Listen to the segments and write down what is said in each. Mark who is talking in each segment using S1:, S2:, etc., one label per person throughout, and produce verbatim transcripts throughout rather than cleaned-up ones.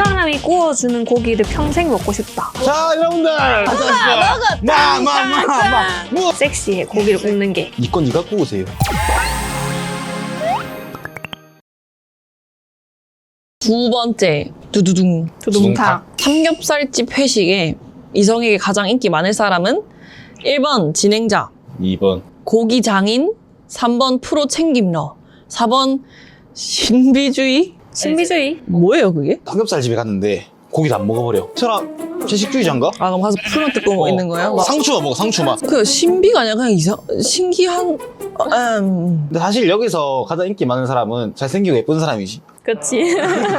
S1: 사람이 구워주는 고기를 평생 먹고 싶다.
S2: 자, 여러분들! 마마마마 뭐?
S1: 섹시해, 고기를 굽는 게.
S2: 이건 니가 구우세요.
S3: 두 번째, 두두둥.
S1: 두둥탕.
S3: 삼겹살집 회식에 이성에게 가장 인기 많을 사람은 일 번 진행자,
S2: 이 번
S3: 고기 장인, 삼 번 프로 챙김러, 사 번 신비주의?
S1: 신비주의.
S3: 뭐예요 그게?
S2: 삼겹살 집에 갔는데 고기도 안 먹어버려. 저랑 채식주의자인가?
S3: 아 그럼 가서 풀만 뜯고
S2: 어.
S3: 있는 거예요? 막
S2: 상추만 먹어, 상추만.
S3: 그 신비가 아니라 그냥 이상 신기한 음.
S2: 근데 사실 여기서 가장 인기 많은 사람은 잘생기고 예쁜 사람이지.
S1: 그치.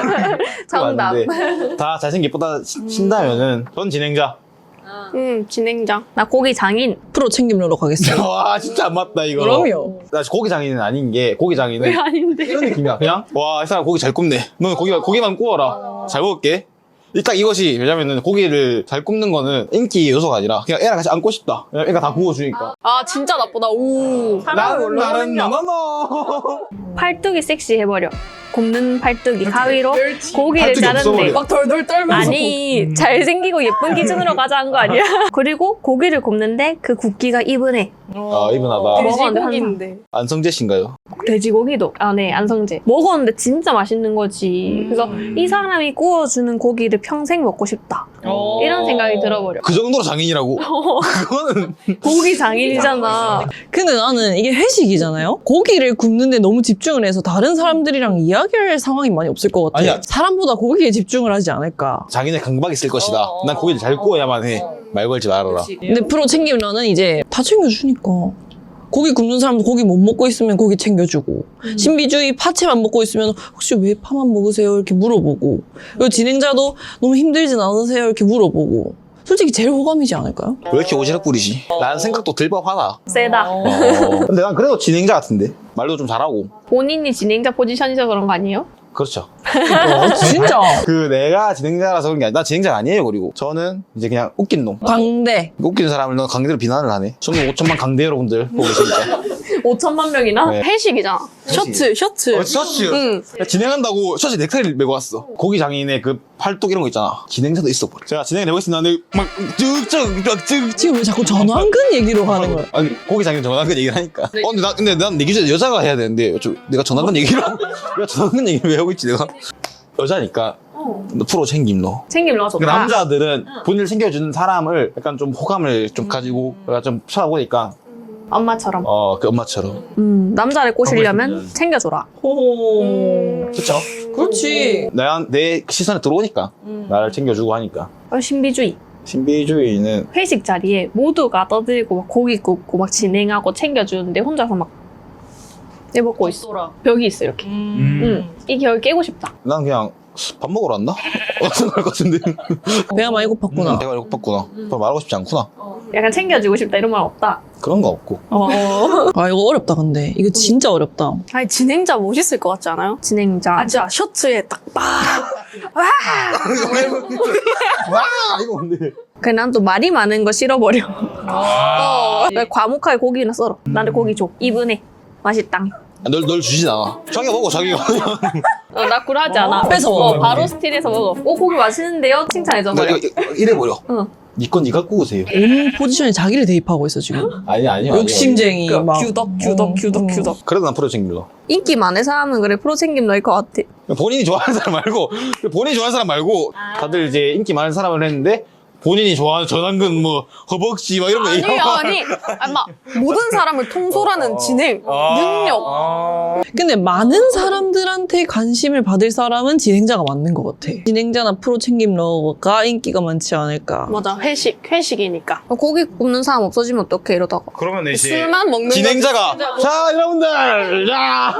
S1: 정답.
S2: 맞는데 다 잘생기고 예쁘다 치- 친다면은 전 진행자.
S1: 음, 진행자. 나 고기 장인.
S3: 프로 챙김러로 가겠습니다.
S2: 와, 진짜 안 맞다 이거.
S3: 그럼요.
S2: 나 고기 장인은 아닌 게 고기 장인은
S1: 왜 아닌데?
S2: 이런 느낌이야. 그냥 와, 이 사람 고기 잘 굽네. 너 고기 고기만 구워라. 잘 먹을게. 딱 이것이 왜냐면은 고기를 잘 굽는 거는 인기 요소가 아니라 그냥 애랑 같이 안고 싶다. 왜냐면 애가 다 구워주니까.
S1: 아, 진짜 나쁘다. 오.
S2: 나는 나는 너너너.
S1: 팔뚝이 섹시해버려. 굽는 팔뚝이 가위로 고기를
S2: 팔뚝이
S1: 자르는데
S2: 없어버려.
S3: 막 덜덜 떨면서
S1: 아니 잘생기고 예쁜 기준으로 가자는 거 아니야? 그리고 고기를 굽는데 그 굽기가 이분해.
S2: 아, 이분하다.
S1: 돼지고기인데.
S2: 안성재 씨인가요?
S1: 돼지고기도 아 네 안성재 먹었는데 진짜 맛있는 거지. 그래서 이 사람이 구워주는 고기를 평생 먹고 싶다. 이런 생각이 들어버려.
S2: 그 정도로 장인이라고? 그거는
S1: 고기 장인이잖아.
S3: 근데 나는 이게 회식이잖아요? 고기를 굽는데 너무 집중을 해서 다른 사람들이랑 이야기할 상황이 많이 없을 것 같아.
S2: 아니야.
S3: 사람보다 고기에 집중을 하지 않을까.
S2: 장인의 강박이 있을 것이다. 난 고기를 잘 구워야만 해. 말 걸지 말아라.
S3: 근데 프로 챙김러는 이제 다 챙겨주니까. 고기 굽는 사람도 고기 못 먹고 있으면 고기 챙겨주고
S1: 음.
S3: 신비주의 파채만 먹고 있으면 혹시 왜 파만 먹으세요? 이렇게 물어보고 그리고 진행자도 너무 힘들진 않으세요? 이렇게 물어보고 솔직히 제일 호감이지 않을까요?
S2: 왜 이렇게 오지랖 부리지? 라는 생각도 들 법하다.
S1: 세다.
S2: 어. 근데 난 그래도 진행자 같은데. 말도 좀 잘하고.
S1: 본인이 진행자 포지션이서 그런 거 아니에요?
S2: 그렇죠.
S3: 어, 진짜
S2: 그 내가 진행자라서 그런 게 아니라 나 진행자가 아니에요. 그리고 저는 이제 그냥 웃긴 놈.
S3: 광대
S2: 웃기는 사람을 너 강제로 비난을 하네. 저는 오천만 강대 여러분들 보고 계시니까.
S1: 오천만 명이나?
S2: 네.
S1: 회식이잖아. 셔츠, 셔츠.
S2: 어, 셔츠.
S1: 응.
S2: 진행한다고 셔츠 넥타이를 메고 왔어. 고기 장인의 그 팔뚝 이런 거 있잖아. 진행자도 있어. 제가 진행을 해보겠습니다. 근데 막 쭉쭉쭉
S3: 지금 왜 자꾸 전완근 얘기로 가는 거야?
S2: 아니 고기 장인 전화근 얘기를 하니까. 어 근데 나 근데 난 내 기준에 여자가 해야 되는데 저, 내가 전화근 얘기를 하고 내가 전화근 얘기를 왜 하고 있지 내가? 여자니까. 너 프로 챙김 너.
S1: 챙김러
S2: 그
S1: 좋다.
S2: 남자들은 본인을 챙겨주는 사람을 약간 좀 호감을 좀 가지고 약간 좀 찾아보니까
S1: 엄마처럼.
S2: 어 그 엄마처럼.
S1: 음, 남자를 꼬시려면
S2: 있으면.
S1: 챙겨줘라.
S3: 호
S2: 그쵸?
S3: 그렇지.
S2: 내가 내 시선에 들어오니까 나를 챙겨주고 하니까.
S1: 어, 신비주의.
S2: 신비주의는
S1: 회식 자리에 모두가 떠들고 막 고기 굽고 막 진행하고 챙겨주는데 혼자서 막 내먹고 있어. 벽이 있어 이렇게. 응. 이 벽을 깨고 싶다.
S2: 난 그냥 밥 먹으러 왔나? 어떤 걸 같은데.
S3: 배가 많이 고팠구나.
S2: 내가 이거 고팠구나. 더 말하고 싶지 않구나.
S1: 약간 챙겨주고 싶다 이런 말 없다.
S2: 그런 거 없고.
S1: 어.
S3: 아 이거 어렵다 근데 이거 진짜 어렵다.
S4: 아니 진행자 멋있을 것 같지 않아요?
S1: 진행자.
S4: 아 진짜 셔츠에 딱 빠.
S2: 와 이거 뭔데?
S1: 그냥 난 또 말이 많은 거 싫어버려. 어. 나 과묵하게 고기나 썰어. 나는 고기 줘. 이분해. 맛있당.
S2: 아, 널, 널 주진 않아. 자기가 먹어 자기가.
S1: 어, 나 굴하지 않아.
S3: 뺏어
S1: 어,
S3: 먹어.
S1: 바로 스틸해서 먹어. 오 고기 맛있는데요? 칭찬해줘
S2: 나
S1: 버려.
S2: 이거, 이거 이래버려.
S1: 응.
S2: 니건 니가 구우세요.
S3: 온 포지션에 자기를 대입하고 있어 지금.
S2: 아니 아니요.
S3: 욕심쟁이 막.
S4: 규덕 규덕
S3: 어,
S4: 규덕
S3: 어.
S4: 규덕.
S2: 그래도 난 프로 챙길러.
S1: 인기 많은 사람은 그래 프로 챙김 너일 것 같아.
S2: 본인이 좋아하는 사람 말고 본인이 좋아하는 사람 말고 다들 이제 인기 많은 사람을 했는데 본인이 좋아하는 전완근 뭐 허벅지 막 이런 거
S4: 아니
S2: 얘기하고.
S4: 아니 아마 모든 사람을 통솔하는 진행
S2: 아.
S4: 능력.
S3: 근데 많은 사람들한테 관심을 받을 사람은 진행자가 맞는 것 같아. 진행자나 프로 챙김러가 인기가 많지 않을까.
S4: 맞아 회식 회식이니까
S1: 어, 고기 굽는 사람 없어지면 어떡해 이러다가.
S2: 그러면 이제
S4: 술만 먹는
S2: 진행자가 자 여러분들 자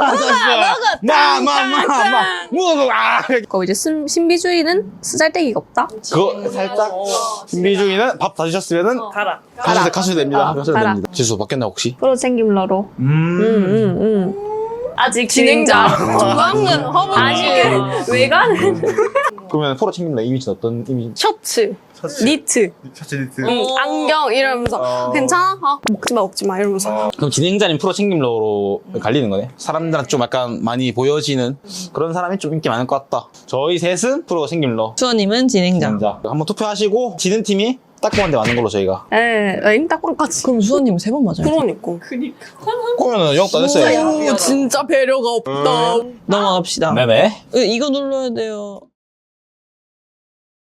S2: 마마마마 뭐 아.
S1: 그 이제 신, 신비주의는 쓰잘데기가 없다.
S2: 그거 살짝 신비주의는 밥 다 드셨으면은
S3: 가라.
S2: 가셔도 가셔도 됩니다.
S1: 어,
S2: 가셔도
S1: 가라.
S2: 됩니다. 지수 바뀌었나 혹시?
S1: 프로 챙김러로.
S2: 음.
S1: 응, 응, 응. 아직
S4: 진행자
S1: 진행자.
S4: 중앙은 허벅지.
S1: 아니, 그 외관은.
S2: 그러면 프로 챙긴다 이미지는 어떤 이미지?
S4: 셔츠,
S2: 셔츠.
S4: 니트,
S2: 셔츠 니트.
S4: 응, 안경 이러면서
S2: 어.
S4: 괜찮아? 아, 먹지 마 먹지 마 이러면서.
S2: 그럼 진행자님 프로 챙김러로 갈리는 거네? 사람들한테 좀 약간 많이 보여지는 그런 사람이 좀 인기 많을 것 같다. 저희 셋은 프로 챙김러.
S3: 수아님은 진행자.
S2: 진행자. 한번 투표하시고 지는 팀이 딱공한테 맞는 걸로 저희가.
S4: 에, 엥 딱방까지.
S3: 그럼 수아님은 세 번 맞아요.
S4: 그러니까.
S2: 그러면은 영업도 안 했어요.
S4: 오, 진짜 배려가 없다.
S3: 넘어갑시다.
S2: 네네.
S3: 이거 눌러야 돼요.